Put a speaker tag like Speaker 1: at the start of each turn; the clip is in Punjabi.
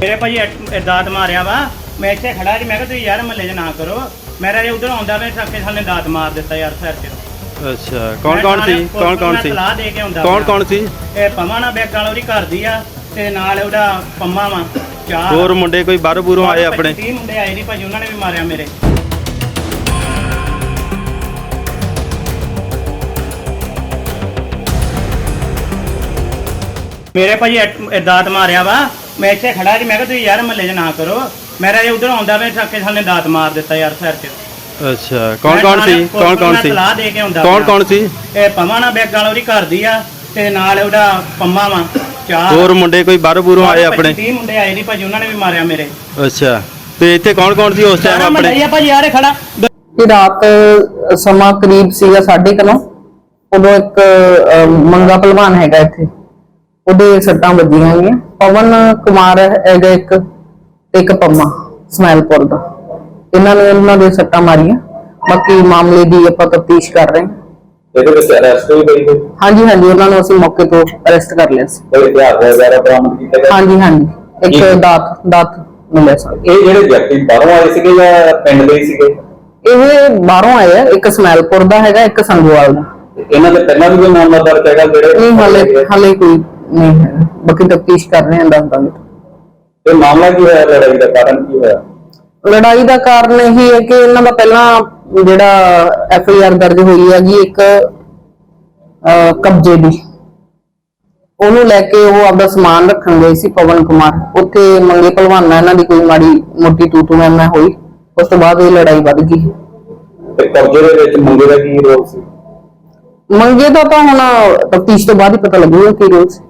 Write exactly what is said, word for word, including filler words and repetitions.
Speaker 1: ਮੇਰੇ ਭਾਜੀ ਦਾਤ ਮਾਰਿਆ ਵਾ। ਮੈਂ ਇੱਥੇ ਖੜਾ ਜੀ, ਮੈਂ ਕਿਹਾ ਤੁਸੀਂ ਯਾਰ ਮਹੱਲੇ 'ਚ ਨਾ ਕਰੋ। ਮੇਰਾ ਜੇ ਉਧਰ ਆਉਂਦਾ ਵੇ ਸੱਕੇ ਸਾਲੇ ਦਾਤ ਮਾਰ ਦਿੱਤਾ ਯਾਰ ਸਿਰ 'ਚ।
Speaker 2: ਅੱਛਾ, ਕੌਣ ਕੌਣ ਸੀ? ਕੌਣ ਕੌਣ ਸੀ?
Speaker 1: ਸਲਾਹ ਦੇ ਕੇ ਆਉਂਦਾ।
Speaker 2: ਕੌਣ ਕੌਣ ਸੀ?
Speaker 1: ਇਹ ਪਮਾ ਨਾ ਬੈਗ ਵਾਲਾ ਉਹਦੀ ਘਰ ਦੀ ਆ ਤੇ ਨਾਲ ਉਹਦਾ ਪੰਮਾ ਵਾ। ਚਾਰ
Speaker 2: ਹੋਰ ਮੁੰਡੇ ਕੋਈ ਬਾਹਰੋਂ ਬੂਰੋਂ ਆਏ ਆਪਣੇ?
Speaker 1: ਤੀਹ ਮੁੰਡੇ ਆਏ ਨਹੀਂ ਭਾਜੀ, ਉਹਨਾਂ ਨੇ ਵੀ ਮਾਰਿਆ ਮੇਰੇ। ਮੇਰੇ ਭਾਜੀ ਦਾਤ ਮਾਰਿਆ ਵਾ। ਮੈਂ ਇੱਥੇ ਖੜਾ ਜੀ, ਮੈਂ ਕਿਹਾ ਤੁਸੀਂ ਯਾਰ ਮਹੱਲੇ 'ਚ ਨਾ ਕਰੋ। ਮੇਰਾ ਜੇ ਉਧਰ ਆਉਂਦਾ ਵੇ ਸੱਕੇ ਸਾਲੇ ਦਾਤ ਮਾਰ ਦਿੱਤਾ ਯਾਰ ਸਿਰ 'ਚ।
Speaker 2: ਅੱਛਾ, ਕੌਣ ਕੌਣ ਸੀ? ਕੌਣ ਕੌਣ ਸੀ?
Speaker 1: ਸਲਾਹ ਦੇ ਕੇ ਆਉਂਦਾ।
Speaker 2: ਕੌਣ ਕੌਣ ਸੀ?
Speaker 1: ਇਹ ਪਮਾ ਨਾ ਬੈਗ ਵਾਲਾ ਉਹਦੀ ਘਰ ਦੀ ਆ ਤੇ ਨਾਲ ਉਹਦਾ ਪੰਮਾ ਵਾ। ਚਾਰ
Speaker 2: ਹੋਰ ਮੁੰਡੇ ਕੋਈ ਬਾਹਰੋਂ ਬੂਰੋਂ ਆਏ ਆਪਣੇ?
Speaker 1: ਤੀਹ ਮੁੰਡੇ ਆਏ ਨਹੀਂ ਭਾਜੀ, ਉਹਨਾਂ ਨੇ ਵੀ ਮਾਰਿਆ ਮੇਰੇ।
Speaker 2: ਅੱਛਾ, ਤੇ ਇੱਥੇ ਕੌਣ ਕੌਣ ਸੀ ਉਸ ਟਾਈਮ ਆਪਣੇ?
Speaker 1: ਆਪਣੇ ਭਾਜੀ ਯਾਰ ਖੜਾ
Speaker 3: ਕਿ ਰਾਤ ਸਮਾਂ ਕਰੀਬ ਸੀਗਾ ਸਾਢੇ ਕੁ ਨੌ। ਉਦੋਂ ਇੱਕ ਮੰਗਾ ਪਹਿਲਵਾਨ ਹੈਗਾ ਇੱਥੇ, ਉਹਦੇ ਸੱਟਾਂ ਵੱਜੀਆਂ ਹੋਈਆਂ। ਪਵਨ ਕੁਮਾਰ ਹੈਗਾ ਇੱਕ ਤੇ ਇੱਕ ਪੰਮਾ ਸਮੈਲਪੁਰ ਦਾ। ਇਹਨਾਂ ਨੇ ਉਹਨਾਂ ਦੇ ਸੱਟਾਂ ਮਾਰੀਆਂ। ਬਾਕੀ ਮਾਮਲੇ ਦੀ ਆਪਾਂ ਤਫਤੀਸ਼ ਕਰ ਰਹੇ ਹਾਂ।
Speaker 4: ਇਹਦੇ ਵਿੱਚ ਅਰੈਸਟ ਹੋਈ ਗਈ ਕੋਈ?
Speaker 3: ਹਾਂਜੀ ਹਾਂਜੀ, ਉਹਨਾਂ ਨੂੰ ਅਸੀਂ ਮੌਕੇ ਤੋਂ ਅਰੈਸਟ ਕਰ ਲਿਆ ਸੀ।
Speaker 4: ਕੋਈ ਹਥਿਆਰ ਵਗੈਰਾ ਬਰਾਮਦ ਕੀਤਾ ਗਿਆ?
Speaker 3: ਹਾਂਜੀ ਹਾਂਜੀ, ਇੱਕ ਦਾਤ ਦਾਤ ਮਿਲਿਆ ਸੀ।
Speaker 4: ਇਹ ਜਿਹੜੇ ਵਿਅਕਤੀ ਬਾਹਰੋਂ ਆਏ ਸੀਗੇ ਜਾਂ ਪਿੰਡ ਦੇ ਹੀ ਸੀਗੇ?
Speaker 3: ਇਹ ਬਾਹਰੋਂ ਆਏ ਆ, ਇੱਕ ਸਮੈਲਪੁਰ ਦਾ ਹੈਗਾ, ਇੱਕ ਸੰਗੋਵਾਲ ਦਾ।
Speaker 4: ਇਹਨਾਂ ਦੇ ਪਹਿਲਾਂ ਵੀ ਕੋਈ ਮਾਮਲਾ ਦਰਜ ਹੈਗਾ ਜਿਹੜੇ?
Speaker 3: ਨਹੀਂ, ਹਾਲੇ ਹਾਲੇ ਕੋਈ ਨਹੀਂ ਹੈ। ਬਾਕੀ ਤਫਤੀਸ਼ ਕਰ ਰਹੇ ਹਾਂ, ਦੱਸ ਦਾਂਗੇ।
Speaker 4: ਇਹ ਮਾਮਲਾ ਕੀ ਹੋਇਆ? ਲੜਾਈ ਦਾ ਕਾਰਨ ਕੀ ਹੋਇਆ?
Speaker 3: ਲੜਾਈ ਦਾ ਕਾਰਨ ਇਹ ਹੈ ਕਿ ਇਹਨਾਂ ਦਾ ਪਹਿਲਾਂ ਜਿਹੜਾ ਐਫ ਆਈ ਆਰ ਦਰਜ ਹੋਈ ਹੈਗੀ ਇੱਕ ਕਬਜ਼ੇ ਦੀ, ਉਹਨੂੰ ਲੈ ਕੇ ਉਹ ਆਪਦਾ ਸਮਾਨ ਰੱਖਣ ਗਏ ਸੀ ਪਵਨ ਕੁਮਾਰ। ਉੱਥੇ ਮੰਗੇ ਭਲਵਾਨਾਂ ਇਹਨਾਂ ਦੀ ਕੋਈ ਮਾੜੀ ਮੋਟੀ ਤੂ ਤੂ ਮੈਂ ਮੈਂ ਹੋਈ। ਉਸ ਤੋਂ ਬਾਅਦ ਇਹ ਲੜਾਈ ਵੱਧ ਗਈ।
Speaker 4: ਤੇ ਕਬਜ਼ੇ ਦੇ ਵਿੱਚ ਮੰਗੇ ਦਾ ਕੀ ਰੋਲ ਸੀ?
Speaker 3: ਮੰਗੇ ਦਾ ਤਾਂ ਹੁਣ ਤਫਤੀਸ਼ ਤੋਂ ਬਾਅਦ ਹੀ ਪਤਾ ਲੱਗੂਗਾ ਕੀ ਰੋਲ ਸੀ।